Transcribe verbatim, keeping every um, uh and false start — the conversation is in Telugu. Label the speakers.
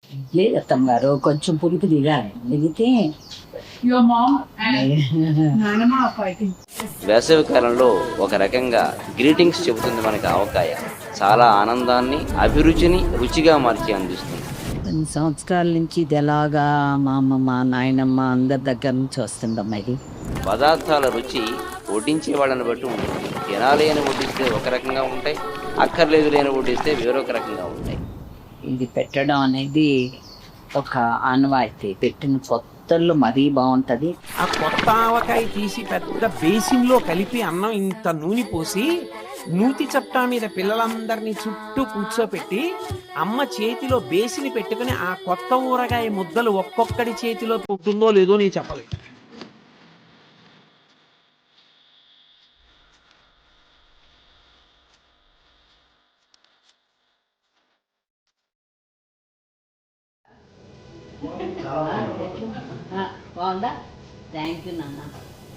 Speaker 1: లేదు అత్తమ్మ గారు, కొంచెం పులుపు దిగాలి, దిగితే
Speaker 2: Your mom and Nanama are fighting.
Speaker 3: వేసవి కాలంలో ఒక రకంగా గ్రీటింగ్స్ చెబుతుంది మనకి ఆవకాయ. చాలా ఆనందాన్ని, అభిరుచిని రుచిగా మార్చి అందిస్తుంది.
Speaker 1: కొన్ని సంవత్సరాల నుంచి ఇది ఎలాగా మా అమ్మమ్మ నాయనమ్మ అందరి దగ్గర నుంచి వస్తుందమ్మా ఇది.
Speaker 3: పదార్థాల రుచి వడ్డించే వాళ్ళని బట్టి ఉంటుంది. తినాలి అని వడ్డిస్తే ఒక రకంగా ఉంటాయి, అక్కర్లేదు లేని వడ్డిస్తే వేరొక రకంగా ఉంటాయి.
Speaker 1: ఇది పెట్టడం అనేది ఒక ఆనవాయితీ. పెట్టిన కొత్తల్లో మరీ బాగుంటుంది.
Speaker 4: ఆ కొత్త ఆవకాయ తీసి పెద్ద బేసిన్లో కలిపి అన్నం ఇంత నూనె పోసి నూతి చట్టా మీద పిల్లలందరినీ చుట్టూ కూర్చోపెట్టి అమ్మ చేతిలో బేసిని పెట్టుకుని ఆ కొత్త ఊరగాయ ముద్దలు ఒక్కొక్కడి చేతిలో పుట్టిందో లేదో నేను చెప్పలేదు.
Speaker 1: బాగుందా? థ్యాంక్ యూ నాన్న.